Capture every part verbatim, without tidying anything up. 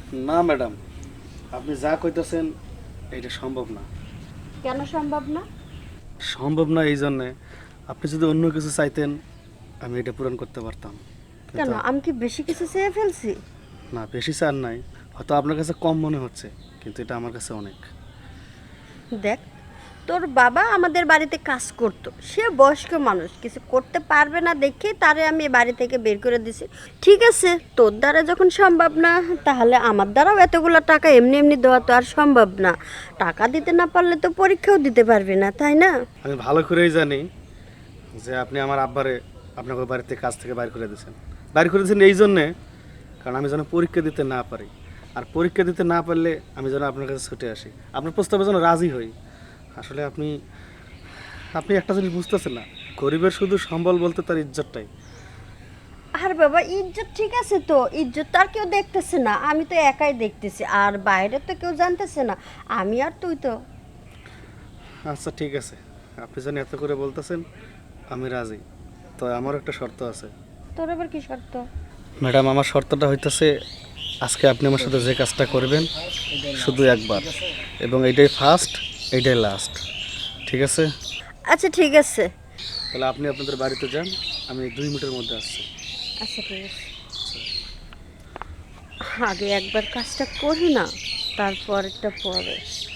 না ম্যাডাম, আপনি যা কইতেছেন এটা সম্ভব না। কেন সম্ভব না? সম্ভব না এই জন্যে, আপনি যদি অন্য কিছু চাইতেন আমি এটা পূরণ করতে পারতাম। কেন, কিন্তু আমি কি বেশি কিছু চেয়ে ফেলছি? না, বেশি চার নাই, হয়তো আপনার কাছে কম মনে হচ্ছে, কিন্তু এটা আমার কাছে অনেক। দেখ, তোর বাবা আমাদের বাড়িতে কাজ করতো, সে বয়স্ক মানুষ, কিছু করতে পারবে না দেখে তারে আমি এ বাড়ি থেকে বের করে দিছি। ঠিক আছে, তোর দ্বারা যখন সম্ভব না, তাহলে আমার দ্বারাও এতগুলো টাকা এমনি এমনি দেওয়া তো আর সম্ভব না। টাকা দিতে না পারলে তো পরীক্ষাও দিতে পারবি না, তাই না? আমি ভালো করেই জানি যে আপনি আমার আব্বারে আপনাকে বাড়িতে কাজ থেকে বাইর করে দিয়েছেন। বাইর করে দিয়েছেন এই জন্যে, কারণ আমি যেন পরীক্ষা দিতে না পারি, আর পরীক্ষা দিতে না পারলে আমি যেন আপনার কাছে ছুটে আসি, আপনার প্রস্তাবে যেন রাজি হই। আসলে আপনি আপনি একটা জিনিস বুঝতেছেন না, গরিবের শুধু সম্বল বলতে তার ইজ্জতটাই। আর বাবা, ইজ্জত ঠিক আছে তো, ইজ্জত তো আর কেউ দেখতেছে না, আমি তো একাই দেখতেছি, আর বাইরে তো কেউ জানতেছে না, আমি আর তুই তো। আচ্ছা ঠিক আছে, আপনি যেন এত করে বলতেছেন আমি রাজি। তো আমার একটা শর্ত আছে। তোর আবার কি শর্ত? ম্যাডাম, আমার শর্তটা হইতেছে আজকে আপনি আমার সাথে যে কাজটা করবেন শুধু একবার, এবং এইটাই ফার্স্ট, এইটাই লাস্ট, ঠিক আছে? আচ্ছা ঠিক আছে। তাহলে আপনি আপনাদের বাড়িতে যান, আমি দুই মিনিটের মধ্যে আসছি। আচ্ছা ঠিক আছে, আগে একবার কাজটা করি না, তারপরটা পরে।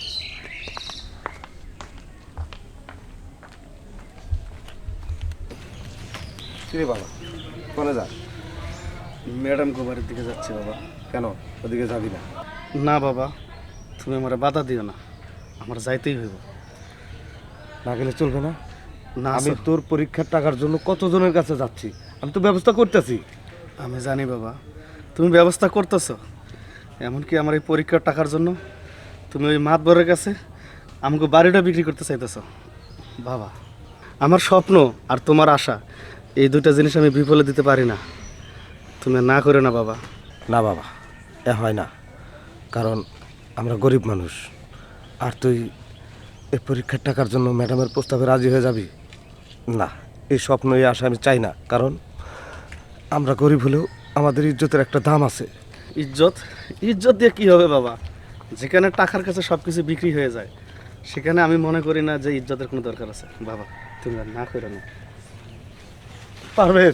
কিরে বাবা, কোনে যা? ম্যাডাম বাড়ির দিকে যাচ্ছি বাবা। কেন ওদিকে যাবি না? না বাবা, তুমি আমার বাধা দিও না, আমার যাইতেই হইব। না গেলে চলবে না? না আমি স্যার, তোর পরীক্ষার টাকার জন্য কতজনের কাছে যাচ্ছি, আমি তো ব্যবস্থা করতেছি। আমি জানি বাবা, তুমি ব্যবস্থা করতেছো, এমনকি আমার এই পরীক্ষার টাকার জন্য তুমি ওই মাতবরের কাছে আমাকে বাড়িটা বিক্রি করতে চাইতেছো। বাবা, আমার স্বপ্ন আর তোমার আশা, এই দুইটা জিনিস আমি বিফলে দিতে পারি না, তুমি না করে না বাবা। না বাবা, এ হয় না, কারণ আমরা গরিব মানুষ। আর তুই এই পরীক্ষার টাকার জন্য ম্যাডামের প্রস্তাবে রাজি হয়ে যাবি? না, এই স্বপ্ন এই আশা আমি চাই না, কারণ আমরা গরিব হলেও আমাদের ইজ্জতের একটা দাম আছে। ইজ্জত? ইজ্জত দিয়ে কি হবে বাবা? যেখানে টাকার কাছে সব কিছু বিক্রি হয়ে যায়, সেখানে আমি মনে করি না যে ইজ্জতের কোনো দরকার আছে। বাবা, তুমি আর না করে না। পারভেজ,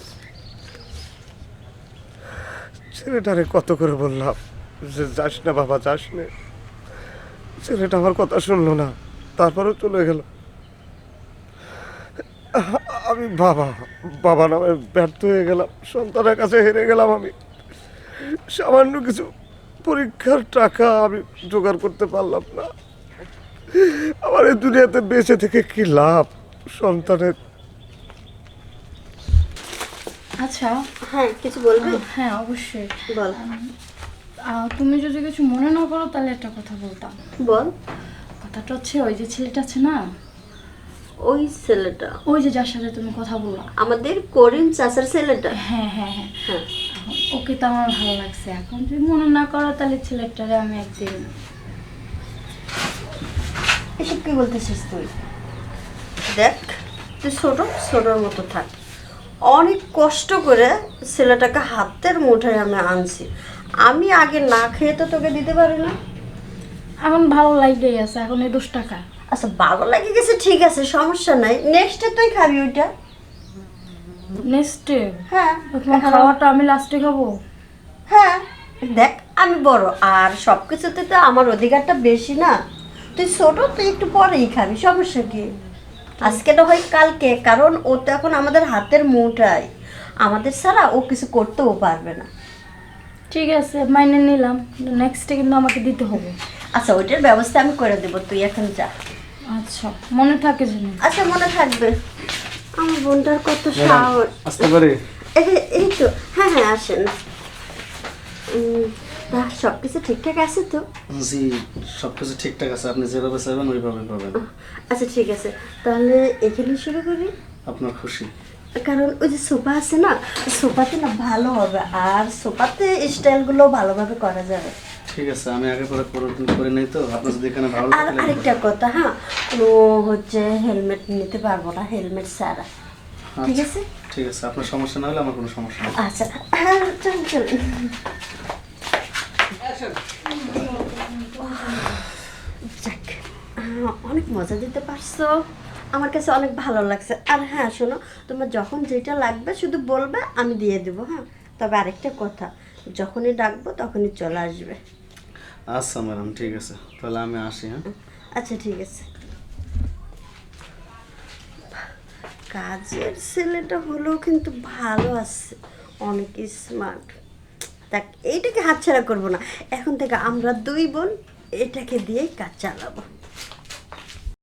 ছেলেটারে কত করে বললাম যে যাস না বাবা, যাস না। ছেলেটা আমার কথা শুনলো না, তারপরেও চলে গেল। আমি বাবা বাবা নামে ব্যর্থ হয়ে গেলাম, সন্তানের কাছে হেরে গেলাম। আমি সামান্য কিছু পরীক্ষার টাকা আমি জোগাড় করতে পারলাম না। আমার এই দুনিয়াতে বেঁচে থেকে কি লাভ সন্তানের? আচ্ছা, হ্যাঁ, কিছু বলবি? হ্যাঁ অবশ্যই বল। আহ, তুমি যদি কিছু মনে না করো তাহলে একটা কথা বলতাম। বল। কথাটা হচ্ছে, ওই যে ছেলেটা আছে না, ওই ছেলেটা? ওই যে যার সাথে তুমি কথা বললা, আমাদের করিম চাচার ছেলেটা? হ্যাঁ হ্যাঁ হ্যাঁ হ্যাঁ। ওকে তো আমার ভালো লাগছে। এখন যদি মনে না করো তাহলে ছেলেটারে আমি একদিন। এসব কি বলতেছিস তুই? দেখ, তুই ছোট ছোটোর মতো থাক। অনেক কষ্ট করে ছেলেটাকে হাতের মুঠোয় আমি আনছি, আমি আগে না খেয়ে তো তোকে দিতে পারি না। এখন ভালো লাগতেই আছে, এখন এই দশ টাকা। আচ্ছা, ভালো লাগে গেছে, ঠিক আছে, সমস্যা নাই, নেক্সটে তুই খাবি ওইটা। নেক্সটে? হ্যাঁ। তোমার খাওয়াটা আমি লাস্টে খাবো? হ্যাঁ, দেখ আমি বড়, আর সব কিছুতে তো আমার অধিকারটা বেশি না। তুই ছোট, তুই একটু পরেই খাবি, সমস্যা কি? আজকে না হয় কালকে, কারণ ও তো এখন আমাদের হাতের মুঠায়, আমাদের ছাড়া ও কিছু করতেও পারবে না। ঠিক আছে, মাইনে নিলাম, নেক্সটে কিন্তু আমাকে দিতে হবে। আচ্ছা, ওইটার ব্যবস্থা আমি করে দেবো, তুই এখন যা। আচ্ছা, মনে থাকে যেন। আচ্ছা, মনে থাকবে। আমার বোনটার কত সাহস। আসতে পারি? এই- এই তো, হ্যাঁ হ্যাঁ, আসেন। উম, তা সব কিছু ঠিকঠাক আছে তো? জি, সব কিছু ঠিকঠাক আছে, আপনি যেভাবে চাইবেন ওইভাবে পাবেন। আচ্ছা ঠিক আছে, তাহলে এখানে শুরু করি। আপনার খুশি? কারণ ওই যে সোফা আছে না, সোফাতে না ভালো হবে, আর সোফাতে স্টাইলগুলো ভালোভাবে করা যাবে। ঠিক আছে, আমি আগে পরে পরিবর্তন করে নেই, তো আপনার যদি এখানে ভালো আর লাগে। আরেকটা কথা, হ্যাঁ, কোনো হচ্ছে হেলমেট নিতে পারবো না, হেলমেট ছাড়া, ঠিক আছে? ঠিক আছে, আপনার সমস্যা না হলে আমার কোনো সমস্যা নেই। আচ্ছা, হ্যাঁ, চল চল। হ্যাঁ অনেক মজা দিতে পারছো, আমার কাছে অনেক ভালো লাগছে। আর হ্যাঁ শোনো, তোমার যখন যেটা লাগবে শুধু বলবে, আমি দিয়ে দেবো। হ্যাঁ, তবে আরেকটা কথা, যখনই ডাকবো তখনই চলে আসবে। আচ্ছা ম্যাডাম, ঠিক আছে, তাহলে আমি আসি। হ্যাঁ, আচ্ছা ঠিক আছে। কাজের ছেলেটা হলেও কিন্তু ভালো আছে, অনেক স্মার্ট। দেখ, এইটাকে হাতছাড়া করবো না, এখন থেকে আমরা দুই বোন এটাকে দিয়েই কাজ চালাবো।